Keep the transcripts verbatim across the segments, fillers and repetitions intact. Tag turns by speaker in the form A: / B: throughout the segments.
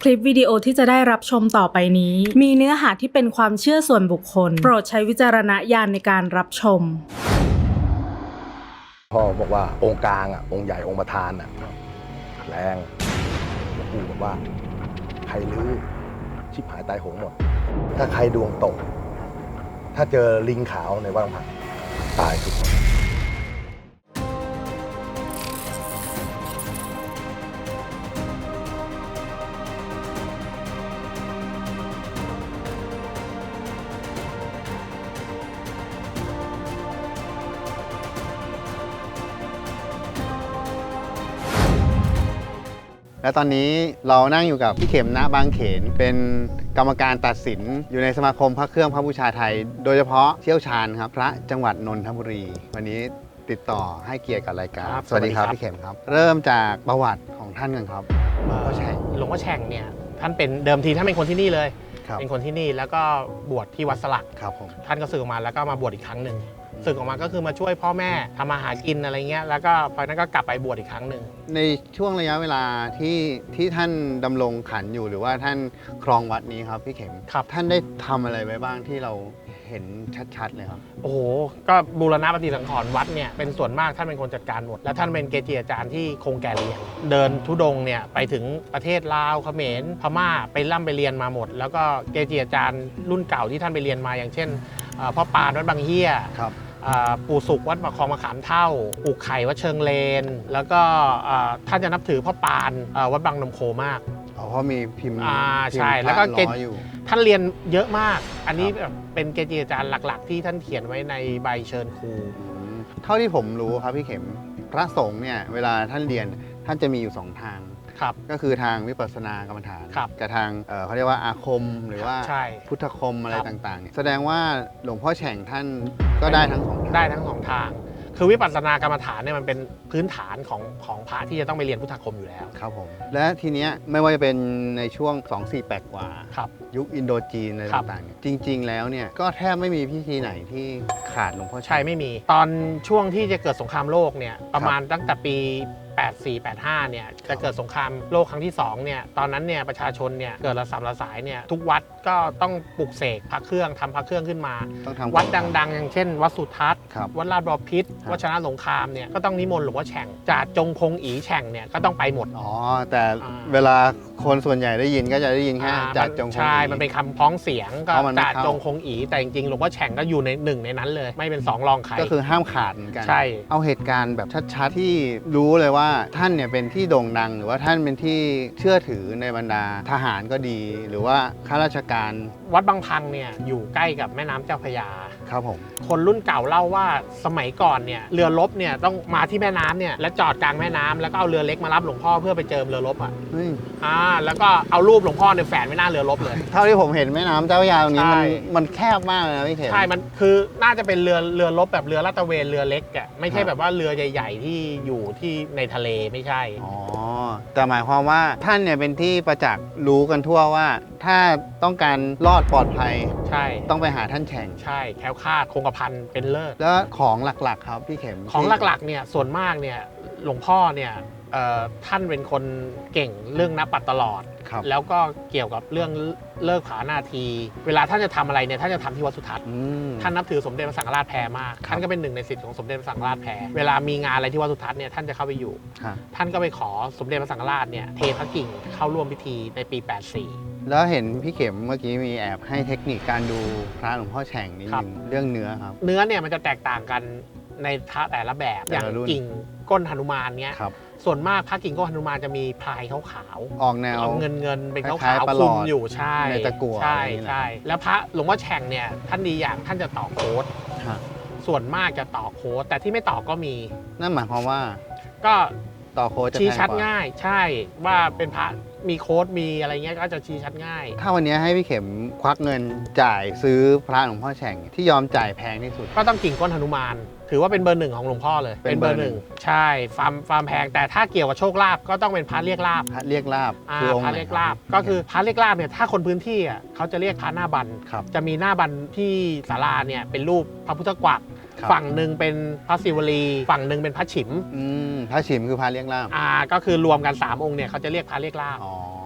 A: คลิปวิดีโอที่จะได้รับชมต่อไปนี้มีเนื้อหาที่เป็นความเชื่อส่วนบุคคลโปรดใช้วิจารณญาณในการรับชม
B: พ่อบอกว่าองค์กลางอ่ะองค์ใหญ่องค์ประธานอ่ะแรงหลวงปู่บอกว่าใครลื้อชิบหายตายโหงหมดถ้าใครดวงตกถ้าเจอลิงขาวในวังผักตายทุกคน
C: และตอนนี้เรานั่งอยู่กับพี่เข็มณบางเขนเป็นกรรมการตัดสินอยู่ในสมาคมพระเครื่องพระบูชาไทยโดยเฉพาะเชี่ยวชาญครับพระจังหวัดนนทบุรีวันนี้ติดต่อให้เกียรติกับรายการสวัสดีครับพี่เข็มครับเริ่มจากประวัติของท่านกันครับหลวงพ่อแฉ่ง
D: หลวงพ่อแฉ่งเนี่ยท่านเป็นเดิมทีท่านเป็นคนที่นี่เลย
C: ครับ
D: เป็นคนที่นี่แล้วก็บวชที่วัดสลัก
C: ครับผม
D: ท่านก็สึกออกมาแล้วก็มาบวชอีกครั้งหนึ่งสึกออกมาก็คือมาช่วยพ่อแม่ทำมาหากินอะไรเงี้ยแล้วก็พอนั้นก็กลับไปบวชอีกครั้งหนึ่ง
C: ในช่วงระยะเวลาที่ที่ท่านดำรงขันอยู่หรือว่าท่านครองวัดนี้ครับพี่เข็ม
D: ครับ
C: ท่านได้ทำอะไรไว้บ้างที่เราเห็นชัดๆเลยครับ
D: โอ้โหก็บูรณะปฏิสังขรณ์วัดเนี่ยเป็นส่วนมากท่านเป็นคนจัดการหมดและท่านเป็นเกจิอาจารย์ที่คงแก่เรียนเดินธุดงค์เนี่ยไปถึงประเทศลาวเขมรพม่าไปร่ำไปเรียนมาหมดแล้วก็เกจิอาจารย์รุ่นเก่าที่ท่านไปเรียนมาอย่างเช่นพ่อปานวัดบางเฮีย
C: ครับ
D: ปู่สุขวัดมะคองมะขามเท่าปู่ไข่วัดเชิงเลนแล้วก็ท่านจะนับถือพ่อปานวัดบางนมโคมาก
C: อ๋อเพราะมีพิมพ์
D: อ่าใช่แล้วก็เกจิท่านเรียนเยอะมากอันนี้แบบเป็นเกจิอาจารย์หลักๆที่ท่านเขียนไว้ในใบเชิญครู
C: เท่าที่ผมรู้ครับพี่เข็มพระสงฆ์เนี่ยเวลาท่านเรียนท่านจะมีอยู่สองทางก็คือทางวิปัสสนากรรมฐานกับทางเขาเรียกว่าอาคมหรือว่าพุทธคมอะไรต่างๆแสดงว่าหลวงพ่อแฉ่งท่านก็ได้ทั้งสอง
D: ได้ทั้งสองทางคือวิปัสสนากรรมฐานเนี่ยมันเป็นพื้นฐานของของพระที่จะต้องไปเรียนพุทธคมอยู่แล้ว
C: ครับผมและทีเนี้ยไม่ว่าจะเป็นในช่วงสอง สี่ แปดกว่ายุคอินโดจีนอะไรต่างๆจริงๆแล้วเนี่ยก็แทบไม่มีพิธีไหนที่ขาดหลวงพ่อแฉ่ง
D: ใช่ไม่มีตอนช่วงที่จะเกิดสงครามโลกเนี่ยประมาณตั้งแต่ปีแปดสี่ แปดห้าเนี่ยจะเกิดสงครามโลกครั้งที่สองเนี่ยตอนนั้นเนี่ยประชาชนเนี่ยเกิดระสำระสายเนี่ยทุกวัดก็ต้องปลุกเสกพระเครื่องทำพระเครื่องขึ้นมาวัดดังๆอย่างเช่นวัดสุทัศน์วัดลาดบอพิษวัดชนะสงครามเนี่ยก็ต้องนิมนต์หลวงพ่อแฉ่งจ่าจงคงอีแฉ่งเนี่ยก็ต้องไปหมด
C: อ๋อแต่เวลาคนส่วนใหญ่ได้ยินก็จะได้ยินแค่จ่าจงคงอี
D: ใช่มันเป็นคำพ้องเสียงก็จ่าจงคงอีแต่จริงๆหลวงพ่อแฉ่งก็อยู่ในหนึ่งในนั้นเลยไม่เป็นสองรองใคร
C: ก็คือห้ามขาดเหมือนกัน
D: ใช่
C: เอาเหตุการณ์แบบชัดๆที่รู้เลยว่าท่านเนี่ยเป็นที่โด่งดังหรือว่าท่านเป็นที่เชื่อถือในบรรดาทหารก็ดีหรือว่าข้าราชการ
D: วัดบางพังเนี่ยอยู่ใกล้กับแม่น้ำเจ้าพระยา
C: ครับผม
D: คนรุ่นเก่าเล่าว่าสมัยก่อนเนี่ยเรือรบเนี่ยต้องมาที่แม่น้ำเนี่ยแล้วจอดกลางแม่น้ำแล้วก็เอาเรือเล็กมารับหลวงพ่อเพื่อไปเจิมเรือรบอ่ะอ่าแล้วก็เอารูปหลวงพ่อเนี่ยแฝนไว้หน้าเรือรบเลย
C: เท่าที่ผมเห็นแม่น้ำเจ้าพระยาตรงนี้มันมันแคบมากเลยนะพี่เข็ม
D: ใช่มันคือน่าจะเป็นเรือเรือรบแบบเรือลาดตระเวนเรือเล็กอ่ะไม่ใช่แบบว่าเรือใหญ่ๆที่อยู่ที่ในทะเลไม่ใช่
C: อ๋อแต่หมายความว่าท่านเนี่ยเป็นที่ประจักษ์รู้กันทั่วว่าถ้าต้องการรอดปลอดภัย
D: ใช่
C: ต้องไปหาท่านแฉ่ง
D: ใช่แคล้วคลาดคงกระพันเป็นเลิศ
C: แล้วของหลักๆครับพี่เข็ม
D: ของหลักๆเนี่ยส่วนมากเนี่ยหลวงพ่อเนี่ยท่านเป็นคนเก่งเรื่องนับปัดตลอดแล้วก็เกี่ยวกับเรื่องเลิกผานาทีเวลาท่านจะทำอะไรเนี่ยท่านจะทำที่วัดสุทัศน์ท่านนับถือสมเด็จพระสังฆราชแพรมากท่านก็เป็นหนึ่งในศิษย์ของสมเด็จพระสังฆราชแพรเวลามีงานอะไรที่วัดสุทัศน์เนี่ยท่านจะเข้าไปอยู่ท่านก็ไปขอสมเด็จพระสังฆราชเนี่ยเทพระกิ่งเข้าร่วมพิธีในปีแปดสี่
C: แล้วเห็นพี่เข็มเมื่อกี้มีแอบให้เทคนิคการดูพระหลวงพ่อแฉ่งนิดนึงเรื่องเนื้อครับ
D: เนื้อเนี่ยมันจะแตกต่างกันในพระแต่ละแบบอย่างกิ่งก้นหนุมานเนี้ยส่วนมากพระกิ่งก้นหนุมานจะมีพลายขาว
C: ๆออกแนว
D: เงินเงินเป็นขาวๆคลุมอยู่ใช่
C: ในตะกั่ว
D: ใช่ใช่แล้วพระหลวงพ่อแฉ่งเนี่ยท่านดีอย่างท่านจะต่อโค้ดส่วนมากจะต่อโค้ดแต่ที่ไม่ต่อก็มี
C: นั่นหมายความว่า
D: ก็
C: ต่อโค้ดจะ
D: ชี้ชัดง่ายใช่ว่าเป็นพระมีโค้ดมีอะไรเงี้ยก็จะชี้ชัดง่าย
C: ถ้าวันนี้ให้พี่เข็มควักเงินจ่ายซื้อพระหลวงพ่อแฉ่งที่ยอมจ่ายแพงที่สุด
D: ก็ต้องกิ่งก้นหนุมานถือว่าเป็นเบอร์หนึ่งของหลวงพ่อเลยเป็นเบอร์หนึ่งใช่ฟาร์มฟาร์มแพงแต่ถ้าเกี่ยวกับโชคลาภก็ต้องเป็นพระเรียกลาภ
C: พระเรียกลาภ
D: คือพระเรียกลาภก็คือพระเรียกลาภเนี่ยถ้าคนพื้นที่อ่ะเขาจะเรียกพระหน้าบันจะมีหน้าบันที่ศาลาเนี่ยเป็นรูปพระพุทธกวักฝั่งหนึ่งเป็นพระศิวลีฝั่งหนึ่งเป็นพระฉิม
C: พระฉิมคือพระเรียกลาภ
D: อ่าก็คือรวมกันสามองค์เนี่ยเขาจะเรียกพระเรียกลาภ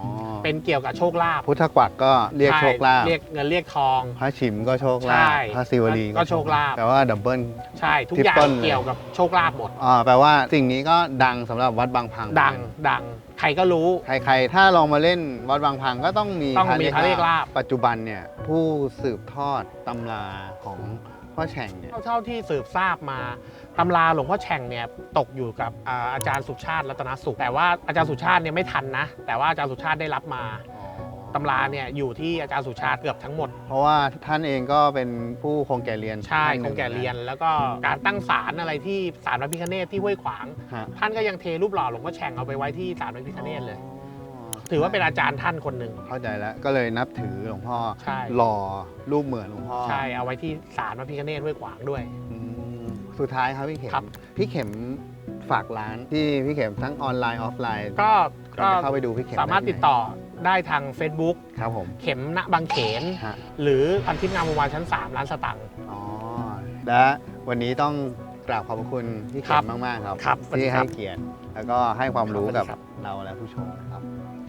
D: เป็นเกี่ยวกับโชคลาภ
C: พุทธกวักก็เรียกโชคลาภ
D: เรียกเงินเรียกทอง
C: พระฉิมก็โชคลา
D: ใช่
C: ภพระศิวลี
D: ก็โชคลาภ
C: แปลว่าดับเบิล
D: ใช่ทุกอย่าง
C: Triple เลย
D: เกี่ยวกับโชคลาภหมด
C: อ่าแปลว่าสิ่งนี้ก็ดังสำหรับวัดบางพัง
D: ดังดังใครก็รู้
C: ใครๆ ถ้าลองมาเล่นวัดบางพังก็ต้องมี
D: ต้องมีพระเรียกลาภ
C: ปัจจุบันเนี่ยผู้สืบทอดตำราของพ่อแฉ่งเนี่ย
D: เท่าที่สืบทราบมาตำราหลวงพ่อแฉ่งเนี่ยตกอยู่กับอ่าอาจารย์สุชาติรัตนสุขแต่ว่าอาจารย์สุชาติเนี่ยไม่ทันนะ แต่ว่าอาจารย์สุชาติได้รับมาตำราเนี่ยอยู่ที่อาจารย์สุชาติเกือบทั้งหมด
C: เพราะว่าท่านเองก็เป็นผู้คงแก่เรียน
D: ใช่
C: ท่านห
D: ค
C: นึ่
D: งแก่เรียนแล้วก็การตั้งศาลอะไรที่ศาลพระพิฆเนศที่ห้วยขวาง
C: ฮะ
D: ท่านก็ยังเทรูปหล่อหลวงพ่อแฉ่งเอาไปไว้ที่ศาลพระพิฆเนศเลย ถือว่าเป็นอาจารย์ท่านคนหนึ่ง
C: เข้าใจแล้วก็เลยนับถือหลวงพ่อ
D: ใช่
C: หล่อรูปเหมือนหลวงพ่อ
D: ใช่เอาไว้ที่ศาลพระพิฆเนศห้วยขวางด้วย
C: อืมสุดท้ายครับพี่เข็ม
D: ครับ
C: พี่เข็มฝากร้านที่พี่เข็มทั้งออนไลน์ออฟไลน์
D: ก็
C: ก็
D: ก็
C: เข้าไปดูพี่เข็ม
D: สามารถ
C: ไที่
D: ติด
C: ไหน
D: ต่อได้ทาง Facebook
C: ครับผม
D: เข็มณบางเขน
C: ฮะ
D: หรือพันทิพย์งามวงวานชั้น สาม ร้านสตังค์
C: อ๋อและวันนี้ต้องกราบขอบพระคุณพี่
D: ค
C: เข็
D: รั
C: ม
D: บ
C: มาก ๆ ครับ
D: ครับสวัสดี
C: ที่
D: ครั
C: ให้
D: บ
C: เกียรติแล้วก็ให้ความรู้
D: ครั
C: กั
D: บบ สวัสดีครับ
C: เราและผู้ชมนะครับ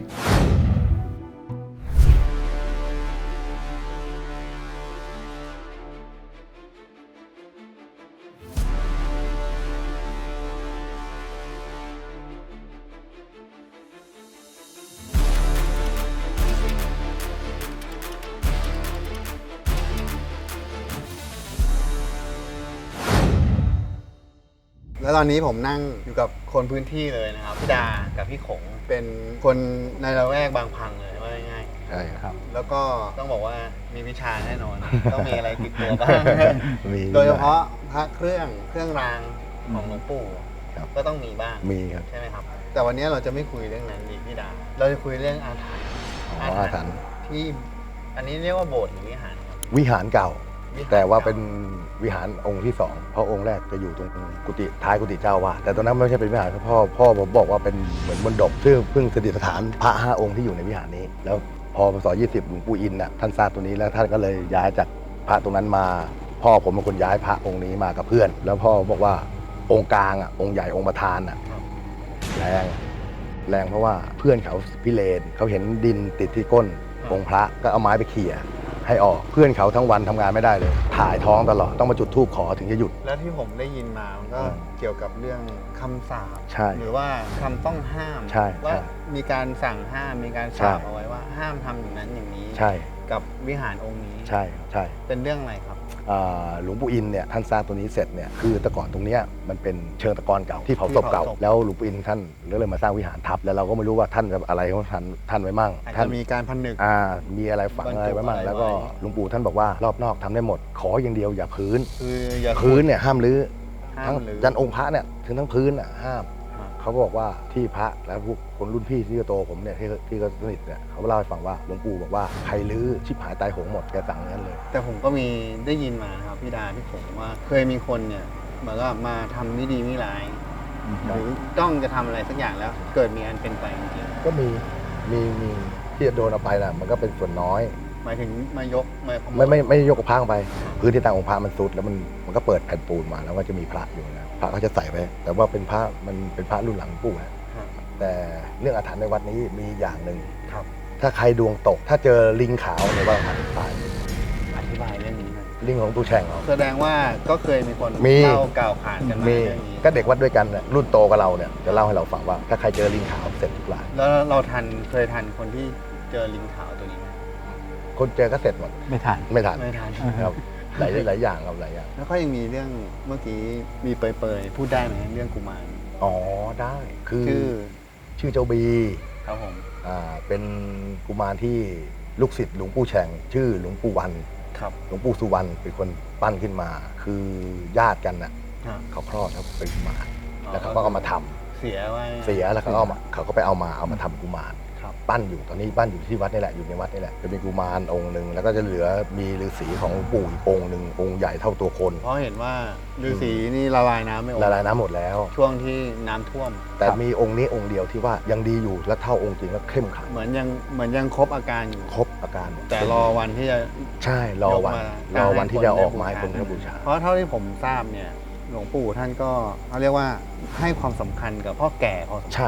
C: แล้วตอนนี้ผมนั่งอยู่กับคนพื้นที่เลยนะครับพี่ดากับพี่ขงเป็นคนในละแวกบางพังเลยว่าง่าย
B: ใช่ครับ
C: ๆแล้วก็ต้องบอกว่ามีวิชาแน่นอน ต้องมีอะไรติดตัวบ้าง
B: มี
C: โดยเฉพาะพระเครื่องเครื่องรางของหลวงปู่
B: ครับ
C: ก็ต้องมีบ้าง
B: มีครับ
C: ใช่ไหมครับ แต่วันนี้เราจะไม่คุยเรื่องนั้นดิพี่ดา เราจะคุยเรื่องอาถรรพ์
B: อ๋ออาถรรพ์
C: ที่อันนี้เรียกว่าโบสถ์หรือวิหารครับ
B: วิหารเก่า
C: วิหร
B: แต่ว่า
C: ก่
B: เป็นวิหารองค์ที่สองเพราะองค์แรกจะอยู่ตรงกุฏิท้ายกุฏิเจ้าอาวาสแต่ตอนนั้นไม่ใช่เป็นวิหารครับพ่อพ่อผมบอกว่าเป็นเหมือนมณฑปซึ่งเพิ่งประดิษฐานพระห้าองค์ที่อยู่ในวิหารนี้ แล้วพอพศยี่สิบหลวงปู่อินน่ะท่านทราบตัวนี้แล้วท่านก็เลยย้ายจากพระตรงนั้นมา พ่อผมเป็นคนย้ายพระองค์นี้มากับเพื่อน แล้วพ่อบอกว่าองค์กลางอ่ะองค์ใหญ่องค์ประธานอ่ะแรงแรงเพราะว่าเพื่อนเขาพิเรนเขาเห็นดินติดที่ก้นองค์พระก็เอาไม้ไปเขี่ยให้ออกเพื่อนเขาทั้งวันทำงานไม่ได้เลยถ่ายท้องตลอดต้องมาจุดธูปขอถึงจะหยุด
C: แล้วที่ผมได้ยินมามันก็
B: อืม
C: เกี่ยวกับเรื่องคำสาป
B: ใช่
C: หรือว่าคำต้องห้าม
B: ใช่
C: ว่า
B: ใช่
C: มีการสั่งห้ามมีการ
B: ใช่
C: สาปเอาไว้ว่าห้ามทำอย่างนั้นอย่างนี้
B: ใช่
C: กับวิหารองค์นี้
B: ใช่ใช่
C: เป็นเรื่องอะไรครับ
B: อ่าหลวงปู่อินเนี่ยท่านสร้างตัวนี้เสร็จเนี่ยคือแต่ก่อนตรงเนี้ยมันเป็นเชิงตะกอนเก่าที่เผาศพเก่า
C: ที่เผาศพ
B: แล้วหลวงปู่อินท่านก็เลยมาสร้างวิหารทับแล้วเราก็ไม่รู้ว่าท่านจะอะไรของท่านท่านไว้มั่ง
C: อาจ
B: ท่า
C: จะ
B: น
C: มีการพันนึก
B: อ่ามีอะไรฝัง
C: บรรจุ
B: อะไรไว้มั่ง
C: อะไร
B: แล้วก็
C: ไว้
B: หลวงปู่ท่านบอกว่ารอบนอกทำได้หมด ขออย่างเดียวอย่าพื้น
C: คืออย่า
B: พื้นเนี่ยห้ามรื้อ
C: ห้า
B: ทั้ง
C: มหรือ
B: ยันองค์พระเนี่ยถึงทั้งพื้นอ่ะห้าม
C: ครับ
B: เขาบอกว่าที่พระและพวกคนรุ่นพี่ที่โตผมเนี่ยที่ที่ก็สนิทเนี่ยเขาเล่าให้ฟังว่าหลวงปู่บอกว่าใครรื้อชิบหายตายโหงหมดแกสั่งอย่างนั้นเลย
C: แต่ผมก็มีได้ยินมานะครับพี่ดาพี่ขงว่าเคยมีคนเนี่ยเหมือนกับมาทำไม่ดีไม่ร้าย หรือต้องจะทำอะไรสักอย่างแล้ว เกิดมีอันเป็นไปจริง
B: ก็มีมีมีที่จะโดนเอาไปนะมันก็เป็นส่วนน้อย
C: ๆหมายถึงมายกมาขโ
B: ไม่ไม่ไม่ยกกระพังไป พื้นที่ต่างองค์พระมันซุดแล้วมันมันก็เปิดแผ่นปูนมาแล้วก็จะมีพระอยู่นะพระเขาจะใส่ไปแต่ว่าเป็นพระมันเป็นพระรุ่นหลังหลวงปู่นะ
C: ครับ
B: แต่เรื่องอาถรรพ์ในวัดนี้มีอย่างหนึ่ง
C: ครับ
B: ถ้าใครดวงตก ถ้าเจอลิงขาวในวัดอาถรรพ์ตาย
C: อธิบายเรื่องนี้หน่อย
B: ลิงของตูแช่งเรา
C: แสดงว่าก็เคยมีคน
B: มี
C: เล่ากล่าวขานกันมา
B: มี
C: เรื่องนี้
B: ก็เด็กวัดด้วยกันน่ะรุ่นโตกับเราเนี่ยจะเล่าให้เราฟังว่า ถ้าใครเจอลิงขาวเสร็จทุกราย
C: แล้วเราทันเคยทันคนที่เจอลิงขาวตัวนี้ไหม
B: คนเจอก็เสร็จหมด
E: ไม่ทัน
B: ไม่ทัน
C: ไม่ทัน
B: ครับหลายหลายอย่างครับหลายอย่าง
C: แล้วก็ยังมีเรื่องเมื่อกี้มีเปรยๆพูดได้ไหมเรื่องกุมาร
B: อ๋อได้คือ
C: ชื่อ
B: ชื่อเจ้าบี
C: ครับผม
B: อ่าเป็นกุมารที่ลูกศิษย์หลวงปู่แฉ่งชื่อหลวงปู่วัน
C: ครับ
B: หลวงปู่สุวรรณเป็นคนปั้นขึ้นมา คือญาติกันน่ะ
C: ฮะ
B: เขาคลอดเขาเป็นกุมารแล้วเขาก็เอามาทำ
C: เสียไว้
B: เสียแล้วเขาก็เอามาเขาก็ไปเอามาเอามาทำกุมาร
C: ครับ
B: ปั้นอยู่ตอนนี้ปั้นอยู่ที่วัดนี่แหละอยู่ในวัดนี่แหละจะมีกุมารองค์หนึ่งแล้วก็จะเหลือมีฤาษีของหลวงปู่อีกองค์หนึ่งองค์ใหญ่เท่าตัวคน
C: เพราะเห็นว่าฤาษีนี่ละลายน้ำไม่ออก
B: ละลายน้ำหมดแล้ว
C: ช่วงที่น้ำท่วม
B: แต่มีองค์นี้องค์เดียวที่ว่ายังดีอยู่และเท่าองค์จริงและเข้มขลัง
C: เหมือนยังเหมือนยังครบอาการอยู่
B: ครบอาการ
C: แต่รอวันที่จะ
B: ใช่รอวัน
C: ยกมาร
B: อวันที่จะออกมา
C: ให้
B: ให้
C: ค
B: คน น
C: ได้
B: ได้
C: บู
B: บู
C: ชา
B: ชา
C: เพราะเท่าที่ผมทราบเนี่ยหลวงปู่ท่านก็เขาเรียกว่าให้ความสำคัญกับพ่อแก่พอสม
B: ใช่
C: ควร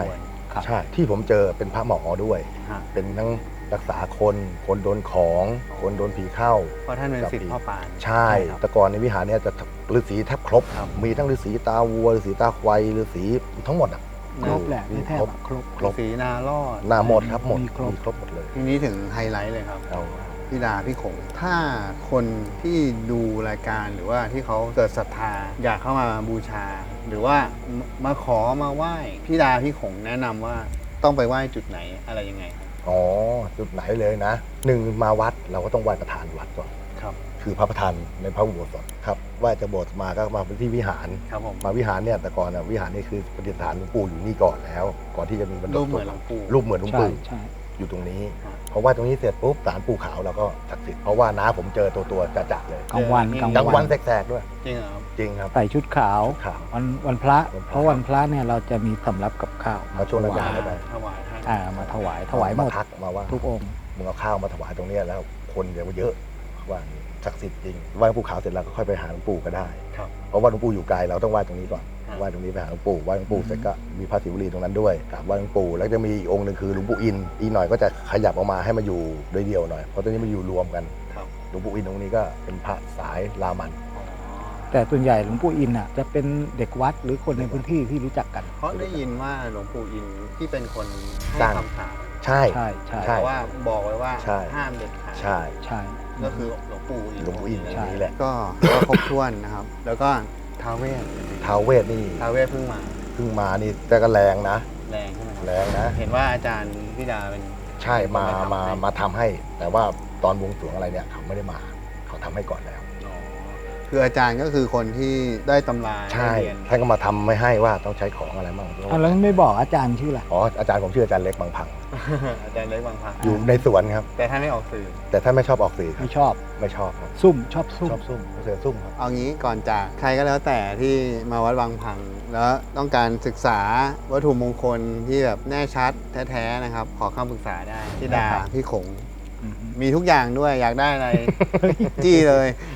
C: ครับ
B: ใช่ที่ผมเจอเป็นพระหมอด้วย
C: ฮะ
B: เป็นทั้งรักษาคนคนโดนของคนโดนผีเข้า
C: เพราะท่านเป็นศิษย์พ่อปาน
B: ใช่
C: ครับ
B: แต่ก่อนในวิหารเนี่ยจะฤาษีแทบครบ
C: ครับ
B: มีทั้งฤาษีตาวัวฤาษีตาควายฤาษีทั้งหมดอ่ะ
E: ครบแหละไม่แทบ
B: ครบ
E: อะครบ
B: ครบ
C: สีนารอด
B: หน้าหมดครับหมด
E: มีครบ
B: มีครบหมดเลย
C: ทีนี้ถึงไฮไลท์เลยครับ
B: เอา
C: พี่ดาพี่ขงถ้าคนที่ดูรายการหรือว่าที่เขาเกิดศรัทธาอยากเข้ามาบูชา หรือว่ามาขอมาไหว้พี่ดาพี่ขงแนะนำว่าต้องไปไหว้จุดไหนอะไรยังไงครับ
B: อ๋อจุดไหนเลยนะหนึ่งมาวัดเราก็ต้องไหว้ประธานวัดก่อน
C: ครับ
B: คือพระประธานในพระอุโบสถครับไหว้จากโบสถ์มาก็มาที่วิหาร
C: ครับผม
B: มาวิหารเนี่ยแต่ก่อนน่ะวิหารนี่คือประดิษฐานหลวงปู่อยู่นี่ก่อนแล้ว ก่อนที่จะมีบรรด
C: รูปเหมือนหลวงปู่
B: รูปเหมือนหลวง
E: ใช่
B: ปู่
E: ใช่
B: อยู่ตรงนี้
C: ครับ
B: เพราะว่าตรงนี้เสร็จปุ๊บศาลปู่ขาวเราก็ศักดิ์สิทธิ์เพราะว่าน้าผมเจอตัวตัวจะจัดเลย
E: กลางวัน
C: เจอ
E: กลาง
B: กลาง
E: วั
B: วัน
E: น
B: แสกๆด้วย
C: จริงเหรอครับ
B: จริงครับ
E: ใส่ชุดขาว
B: ขาว
E: วันวันพระ
B: วันพระ
E: เพราะวันพระเนี่ยเราจะมีสำรับกับข้าว
B: มาช่วงนั้น
E: ถวาย
B: ได้ไป
C: ถวายท่าน
E: อ่ามาถวายถวายหมด
B: ทักมาว่า
E: ทุกองค์
B: มึงเอาข้าวมาถวายตรงเนี้ยแล้วคนเดี๋ยวเยอะว่าศักดิ์สิทธิ์จริงไหว้หลวงปู่ขาวเสร็จแล้วก็ค่อยไปหาหลวงปู่ก็ได้
C: ครับ
B: เพราะว่าหลวงปู่อยู่ไกลเราต้องไหว้ตรงนี้ก่อน
C: ครับ
B: ไหว้ตรงนี้ไปหาหลวงปู่ไหว้หลวงปู่เสร็จก็มีพระศิวลีตรงนั้นด้วยกราบไหว้หลวงปู่แล้วจะมีอีกองค์หนึ่งคือหลวงปู่อินอีกหน่อยก็จะขยับออกมาให้มาอยู่โดยเดียวหน่อยเพราะตอนนี้มันอยู่รวมกัน
C: ครับ
B: หลวงปู่อินตรงนี้ก็เป็นพระสายรามัน
C: อ๋อ
E: แต่ส่วนใหญ่หลวงปู่อินอ่ะจะเป็นเด็กวัดหรือคนในพื้นที่ที่รู้จักกัน
C: เพราะได้ยินว่าหลวงปู่อินที่เป็นคนให้
B: สร้าง
C: คำสาป
B: ใช่
E: ใช่ใช่
B: ใช่
C: แต่ว่าบอกไว้ว่า
B: ใช่
C: ห้ามเด็ดขาด
B: ใช่
E: ใช่
C: ก็คือหลวงปู่อิน
B: หลวงปู่อินตร
E: ใช่
B: งนี้แหละ
C: ก็ถือว่าครบถ้วนนะครับ แล้วก็ท้าวเวส
B: ท้าวเวสนี่
C: ท้าวเวสเพิ่งมา
B: เพิ่งมานี่แต่ก็แรงนะ
C: แรงใช่ไหมครับ
B: แรงนะ
C: เห็นว่าอาจารย์พี่ดาเป็น
B: ใช่มา
C: เป็นคน
B: มา
C: ทำให้
B: มาทำให้ แต่ว่าตอนบวงสรวงอะไรเนี่ยเขาไม่ได้มา เขาทำให้ก่อนแล้ว
C: อ๋อคืออาจารย์ก็คือคนที่ได้ตำรา
B: ใช่
C: ได้เรียน
B: ท่านก็มาทำไม่ให้ว่าต้องใช้ของอะไรบ้าง
E: อ่ะแล้วไม่บอกอาจารย์ชื่ออะไร
B: อ๋ออาจารย์ผมชื่ออาจารย์เล็กบางพัง
C: อาจารย์เล็กบางพระ
B: อยู่ในสวนครับ
C: แต่ท่านไม่ออกสื่อ
B: แต่ท่านไม่ชอบออกสื่อครับ
E: ไม่ชอบ
B: ไม่ชอบครับ
E: ซุ่มชอบซุ่ม
B: ชอบซุ่มเสือซุ่มครับ
C: เอางี้ก่อนจากใครก็แล้วแต่ที่มาวัดบางพัง แล้วต้องการศึกษาวัตถุมงคลที่แบบแน่ชัดแท้ๆนะครับ ขอคำปรึกษาได้พี่ดา
E: ได้ครับ
C: พี่ขง
E: อืม
C: มีทุกอย่างด้วยอยากได้อะไร จี้เลย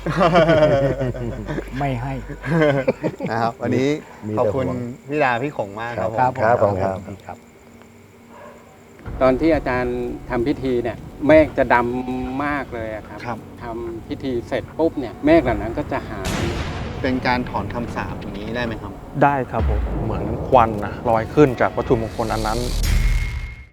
E: ไม่ให้
C: นะครับ วันนี้
B: มี
C: ขอบ
B: แต่
C: คุณ
B: ห่วง
C: พี่ดาพี่ขงมากครับผม
E: ครับผม
B: ครับผมครับ
E: ดีครับ
F: ตอนที่อาจารย์ทำพิธีเนี่ยเมฆจะดำมากเลยอะครับ
C: ครับ
F: ทำพิธีเสร็จปุ๊บเนี่ยเมฆเหล่านั้นก็จะหาย
C: เป็นการถอนคำสาปอย่างนี้ได้ไหมครับ
G: ได้ครับผมเหมือนควันนะลอยขึ้นจากวัตถุมงคลอันนั้น